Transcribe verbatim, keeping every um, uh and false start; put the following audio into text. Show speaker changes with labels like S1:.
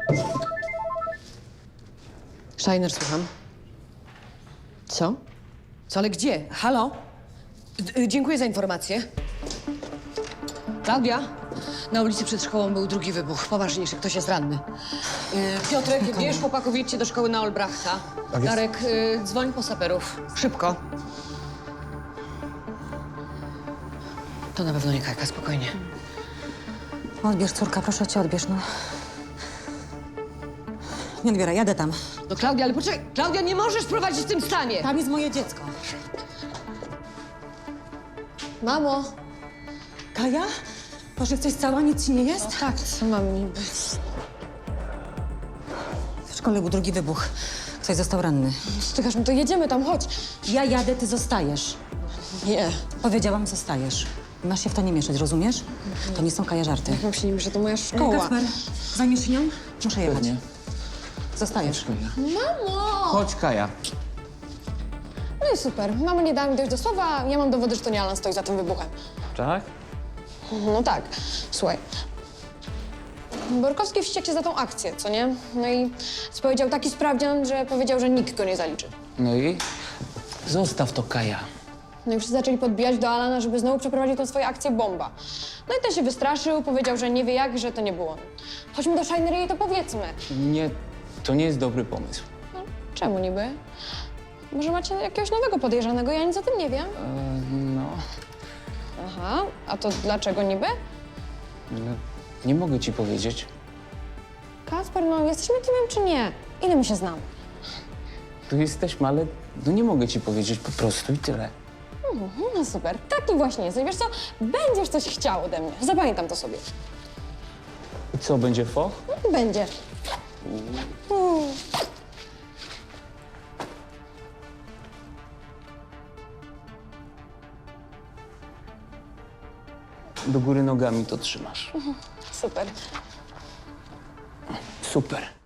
S1: Shiner, słucham. Co? Co, ale gdzie? Halo? D- y, dziękuję za informację. Klaudia? Na ulicy przed szkołą był drugi wybuch. Poważniejszy, ktoś jest ranny. Y, Piotrek, bierz chłopaków, jedźcie do szkoły na Olbrachta.
S2: Tak jest.
S1: Darek, y, dzwoń po saperów. Szybko. To na pewno nie Kajka, spokojnie.
S3: Odbierz, córka, proszę cię, odbierz, no. Nie odbieraj, jadę tam.
S1: No Klaudia, ale poczekaj. Klaudia, nie możesz prowadzić w tym stanie!
S3: Tam jest moje dziecko.
S1: Mamo!
S3: Kaja? Boże, jesteś cała, nic ci nie jest?
S1: Tak, co mam niby?
S3: W szkole był drugi wybuch. Ktoś został ranny.
S4: Stykasz, no to jedziemy tam, chodź.
S3: Ja jadę, ty zostajesz.
S1: Nie.
S3: Powiedziałam, zostajesz. Masz się w to nie mieszać, rozumiesz? To nie są Kaja żarty.
S4: Jak mam się nim, że to moja szkoła.
S3: Kasper, zajmiesz się nią? Muszę jechać.
S2: Pewnie.
S3: Zostajesz.
S4: Mamo!
S2: Chodź, Kaja.
S4: No i super. Mama nie dała mi dojść do słowa, ja mam dowody, że to nie Alan stoi za tym wybuchem.
S2: Tak?
S4: No tak. Słuchaj. Borkowski wściekł się za tą akcję, co nie? No i powiedział taki sprawdzian, że powiedział, że nikt go nie zaliczy.
S2: No i? Zostaw to, Kaja.
S4: No i wszyscy zaczęli podbijać do Alana, żeby znowu przeprowadził tą swoją akcję bomba. No i ten się wystraszył, powiedział, że nie wie jak, że to nie było on. Chodźmy do Shiner i jej to powiedzmy.
S2: Nie, to nie jest dobry pomysł.
S4: No, czemu niby? Może macie jakiegoś nowego podejrzanego, ja nic o tym nie wiem.
S2: E, no,
S4: Aha, a to dlaczego niby?
S2: no, nie mogę ci powiedzieć.
S4: Kasper, no jesteśmy teamem czy nie? Ile my się znamy?
S2: Tu jesteśmy, ale no nie mogę ci powiedzieć po prostu i tyle.
S4: No super, taki właśnie jesteś. Wiesz co, będziesz coś chciał ode mnie. Zapamiętam to sobie.
S2: I co, będzie foch?
S4: Będzie.
S2: Do góry nogami to trzymasz.
S4: Super.
S2: Super.